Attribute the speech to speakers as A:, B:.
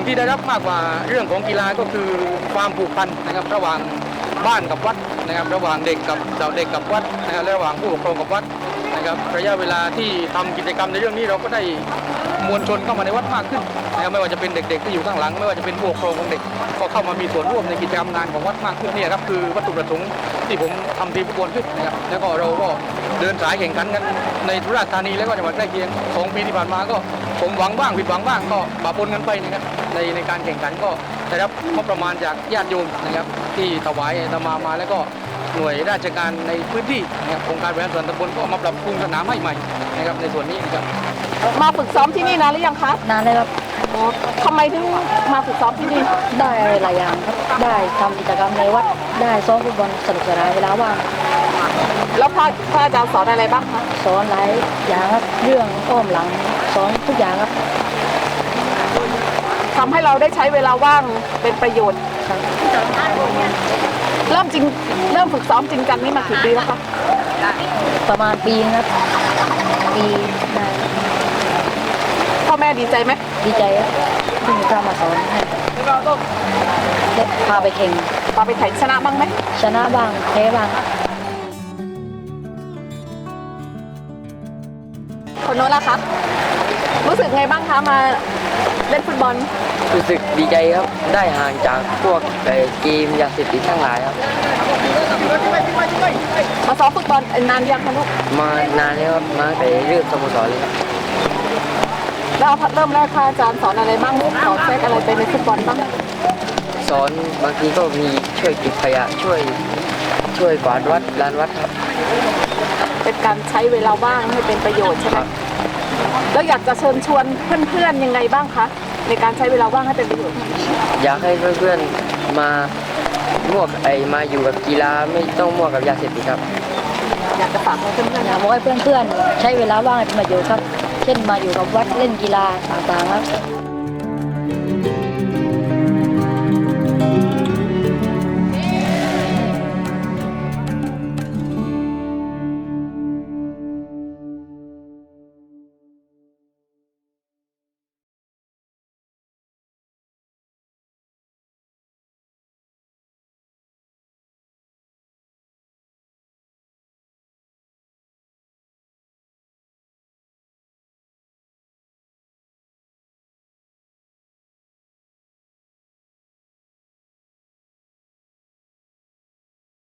A: ที่ได้รับมากกว่าเรื่องของกีฬาก็คือความผูกพันนะครับระหว่างบ้านกับวัดนะครับระหว่างเด็กกับเด็กกับวัดนะครับระหว่างผู้ปกครองกับวัดนะครับระยะเวลาที่ทำกิจกรรมในเรื่องนี้เราก็ได้มวลชนเข้ามาในวัดมากขึ้นนะครับไม่ว่าจะเป็นเด็กๆที่อยู่ข้างหลังไม่ว่าจะเป็นผู้ปกครองของเด็กก็เข้ามามีส่วนร่วมในกิจกรรมงานของวัดมากขึ้นนี่ครับคือวัตถุประสงค์ที่ผมทำทีมฟุตบอลขึ้นนะครับแล้วก็เราก็เดินสายแข่งขันกันในสุราษฎร์ธานีและก็จังหวัดใกล้เคียง2 ปีที่ผ่านมาก็ผมหวังบ้างผิดหวังบ้างก็ปะปนกันไปนะครับในการแข่งขันก็ได้รับงบประมาณจากญาติโยมนะครับที่ถวายอาตมาแล้วก็หน่วยราชการในพื้นที่นะครับองค์การบริหารส่วนตำบลก็มาปรับปรุงสนามให้ใหม่นะครับในส่วนนี้นะครับ
B: มาฝึกซ้อมที่นี่นานหรือยังคะ
C: นานเลยครับ
B: ทำไมถึงมาฝึกซ้อมที่นี่
C: ได้อะไรหลายอย่างครับได้ทำกิจกรรมในวัดได้ซ้อมฟุตบอลสนุกสนานเวลาว่าง
B: แล้วพระอาจารย์สอนอะไรบ้างคะ
C: สอนหลายอย่างครับเรื่องอ้อมหลังสอนทุกอย่างครับ
B: ทำให้เราได้ใช้เวลาว่างเป็นประโยชน์
C: ครับ
B: เริ่มฝึกซ้อมจริงจังนี่มากี่ปีแล้วคะ
C: ประมาณปีครับปีได้
B: พ่อแม่ดีใจไหม
C: ดีใจครับที่มีพระมาสอนให้พาไปแข่ง
B: ชนะบ้างไหม
C: ชนะบ้างแพ้บ้าง
B: คนโน้นล่ะคะรู้สึกไงบ้างคะมาเล่นฟุตบอล
D: รู้สึกดีใจครับได้ห่างจากพวกเกมยาเสพติดทั้งหลายครับ
B: มาซ้อมฟุตบอลนานยังคะลูก
D: มานานแล้วครับมาแต่เริ่มสโมสรเลยครับ
B: แล้วเริ่มแรกค่ะอาจารย์สอนอะไรบ้างสอนแทรกอะไรไปในฟุตบอลบ้าง
D: สอนบางทีก็มีช่วยเก็บขยะช่วยกวาดวัดลานวัดครับ
B: เป็นการใช้เวลาว่างให้เป็นประโยชน์ใช่ไหมแล้วอยากจะเชิญชวนเพื่อนๆยังไงบ้างคะในการใช้เวลาว่างให้เป็นประโยชน์
D: อยากให้เพื่อนๆมามาอยู่กับกีฬาไม่ต้องมั่วกับยาเสพติดครับ
B: อยากจะฝากให้เพื่อนๆ
C: อยากบอกให้เพื่อนๆใช้เวลาว่างให้เป็นประโยชน์ครับเช่นมาอยู่กับวัดเล่นกีฬาต่างๆครับ